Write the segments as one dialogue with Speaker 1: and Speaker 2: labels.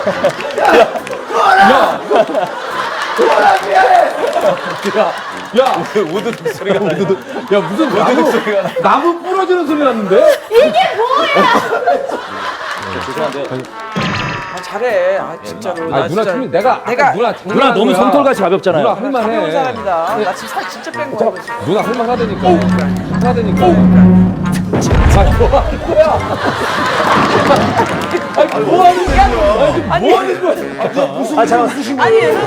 Speaker 1: 야, 우드득 소리가 나. 야, 무슨 우드득 소리가 나. 나무 부러지는 소리 났는데?
Speaker 2: 이게 뭐야?
Speaker 1: 죄송한데.
Speaker 3: 아, 잘해. 아, 진짜로.
Speaker 1: 아, 누나 춤이 내가
Speaker 4: 누나 너무 손털같이 가볍잖아요.
Speaker 1: 누나
Speaker 3: 가벼운
Speaker 1: 할만해.
Speaker 3: 사람이다. 나 지금 살 진짜 뺀 거야.
Speaker 1: 누나 할만하다니까. 할만하다니까. 아, 뭐 하는 거야? 아니, 뭐 하는 거야?
Speaker 4: 아 잠깐.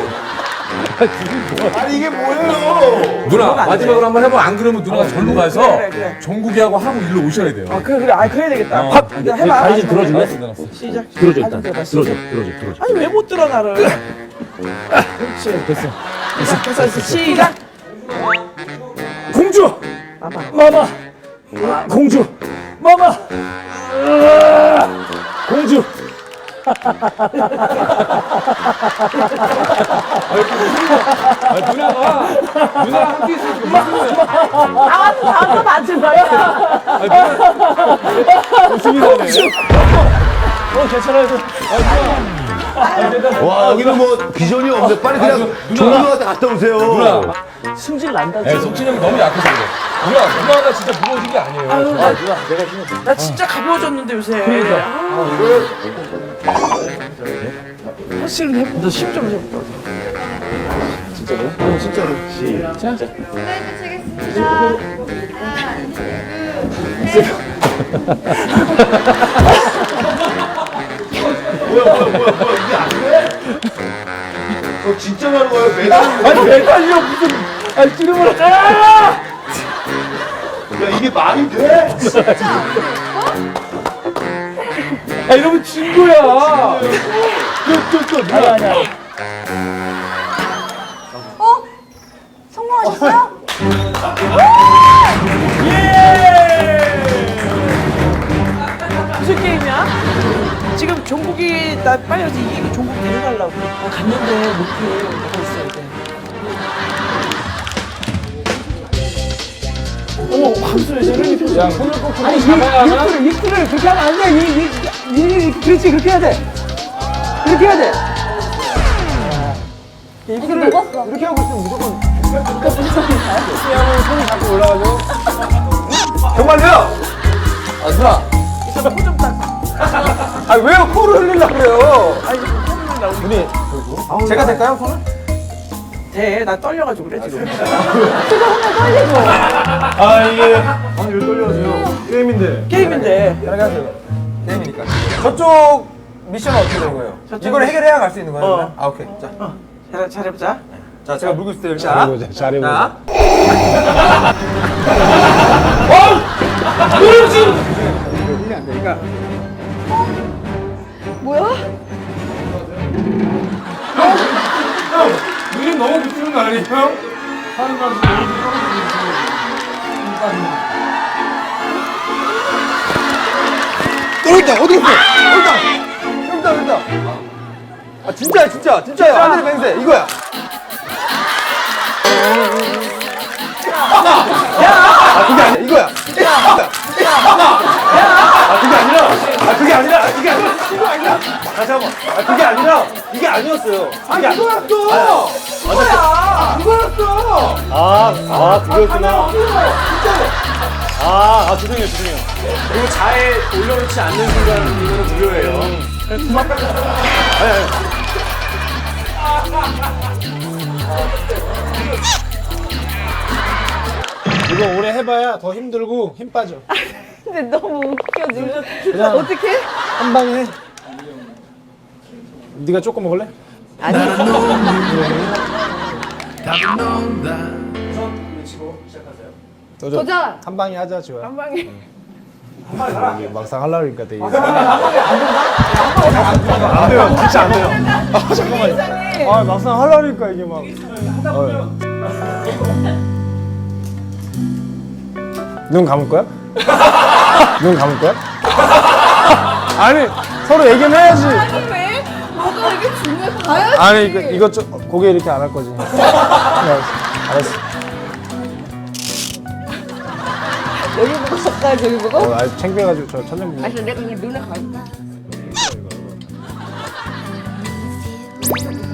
Speaker 5: 아니 이게 뭐예요?
Speaker 1: 누나 마지막으로 한번 해봐. 안 그러면 누나가 절로 가서
Speaker 3: 그래.
Speaker 1: 종국이하고 하고 일로 오셔야 돼요.
Speaker 3: 아, 그래. 아, 그래야 되겠다.
Speaker 1: 어.
Speaker 3: 일단 해봐.
Speaker 4: 다리 좀 들어줄래?
Speaker 3: 시작.
Speaker 4: 들어줘 일단. 들어줘.
Speaker 3: 아니, 왜 못 들어, 나를. 그렇지. 됐어. 시작.
Speaker 4: 공주. 마마. 공주. 마마. 공주.
Speaker 1: 누나랑 함께 있으니까 무슨 거야?
Speaker 2: 나도 맞은 거야.
Speaker 1: 웃음이 나네.
Speaker 4: 괜찮아요.
Speaker 5: 와 여기는 뭐 비전이 없네. 빨리 그냥 종국이한테 갔다 오세요.
Speaker 1: 누나.
Speaker 3: 승질 난다.
Speaker 1: 네, 석진이 형이 너무 약해서 그래. 누나가 진짜 무거워진 게 아니에요.
Speaker 3: 나 진짜 가벼워졌는데, 요새. 사실은 해봐. 너 10점 해볼까?
Speaker 5: 진짜로.
Speaker 2: 치겠습니다. 하나, 둘, 셋.
Speaker 5: 뭐야 이게 안 돼? 진짜 하는 거예요? 매달?
Speaker 1: 아니, 매달려 무슨. 아니, 찌르면.
Speaker 5: 야 이게 말이 돼?
Speaker 1: 아, 이러면 진 거야.
Speaker 4: 아니야.
Speaker 2: 성공하셨어요?
Speaker 3: 무슨 게임이야? 지금 종국이 나 빨리 와서 이기고 종국 데려가려고. 갔는데 못해. 내가 있어야 돼. 어머, 광수야, 저런 표
Speaker 1: 야, 손을 꼭 잡아야 하나?
Speaker 3: 이틀을 그렇게 하면 안 돼. 그렇지, 그렇게 해야 돼. 그렇게 해야 돼.
Speaker 2: 이게 먹었어.
Speaker 3: 이렇게 하고 있으면 무조건.
Speaker 1: 손이 자꾸 올라가죠.
Speaker 5: 정말요?
Speaker 1: 아, 누나.
Speaker 3: 코좀 딱.
Speaker 1: 아, 왜요? 코를 흘리려고 그래요?
Speaker 3: 아니, 콧물 나오고.
Speaker 1: 분이. 제가 될까요, 손을?
Speaker 3: 돼. 나 떨려가지고 그래, 지금.
Speaker 5: 아 이게 아니 왜 떨려하세요? 게임인데.
Speaker 3: 게임인데.
Speaker 1: 편하게 하세요. 게임이니까. 저쪽 미션은 어떻게 되는 거예요? 이걸 해결해야 갈 수 있는 거예요? 그러면? 아, 오케이. 자,
Speaker 3: 잘해보자.
Speaker 1: 자, 제가 물고 있을 때 일단.
Speaker 4: 잘해보자.
Speaker 2: 뭐야?
Speaker 1: 눈이 너무 붙이는 거 아니에요? 하는 거
Speaker 5: 떨어졌다 어디 갔어?
Speaker 1: 여기다. 아, 진짜요. 하늘의 맹세, 이거야. 아, 그게 아니야, 이거야. 그게 아니라. 다시 한 번. 그게 아니라, 이게 아니었어요. 이거였어. 이거였어.
Speaker 4: 아 그거였구나. 죄송해요. 그리고 잘 올려놓지 않는 순간 이거는 무료예요. 이거 오래 해봐야 더 힘들고 힘 빠져.
Speaker 2: 근데 너무 웃겨 지금. 어떻게?
Speaker 4: 한 방에 해. 네가 조금 먹을래?
Speaker 2: 아니. 도전.
Speaker 4: 한 방에 하자 지호야.
Speaker 2: 한 방에.
Speaker 4: 이게 막상 하려고 하니까 되게.
Speaker 5: 안 돼요 진짜 안 돼요.
Speaker 4: 잠깐만요. 아 막상 하려고 하니까 이게 막. 눈 감을 거야? 눈 감을 거야? 아니 서로 얘기는 해야지.
Speaker 2: 아니 왜? 뭐가 이게 중요해? 가야지.
Speaker 4: 아니 이거 좀 고개 이렇게 안 할 거지. 알았어.
Speaker 2: 여기 보고 섞어야 저기 보고.
Speaker 4: 아 창피해가지고 저 천장 보고.
Speaker 2: 아니 내가 그냥 눈에 갈까? 돼.